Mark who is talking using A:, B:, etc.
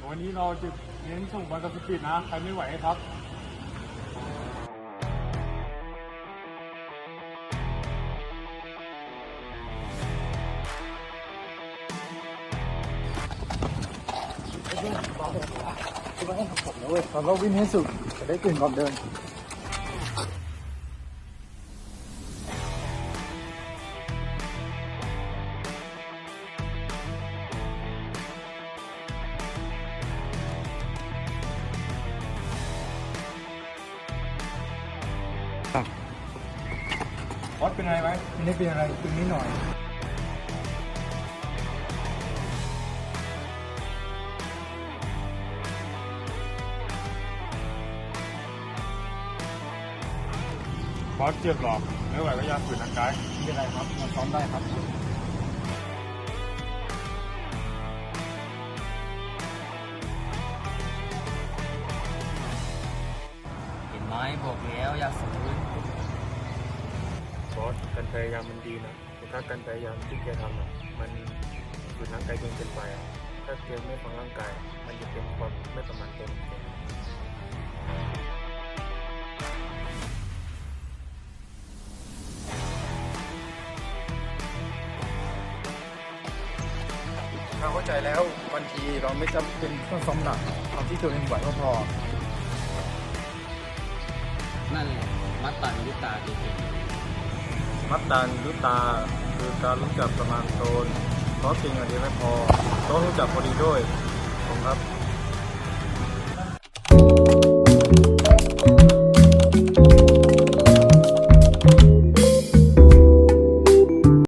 A: วันนี้เราจะเน้นส่งบอลกับสปีดนะ ใครไม่ไหวครับเราวิ่งให้สุดจะได้ตื่นก่อนเดินบอสเป็นอะไรไหมไม่ได้เป็นอะไรตึงนิดหน่อยบอสเจ็บหรอกไม่ไหวก็ยาฝืนร่างกายไม่เป็นไรครับมาซ้อมได้ครับ
B: เห็นไหมบอกแล้วอย่าฝืน
A: บอสการพยายามมันดีนะแต่ถ้าการพยายามที่แกทำมันฝืนร่างกายจนเกินไปถ้าแกไม่ฟังร่างกายมันจะเป็นความไม่ประมาทตัวของแกเราเข้าใจแล้วบางทีเราไม่จำเป็นต้องซ้อมหนักเอาที่ตัวเองไหวก็พอ
B: นั่นแหละมัตตัญญุตาจริง
A: มัตตัญญุตาคือการรู้จักประมาณตนเพราะสิ่งอันเดียวไม่พอต้องรู้จักพอดีด้วยผมครับ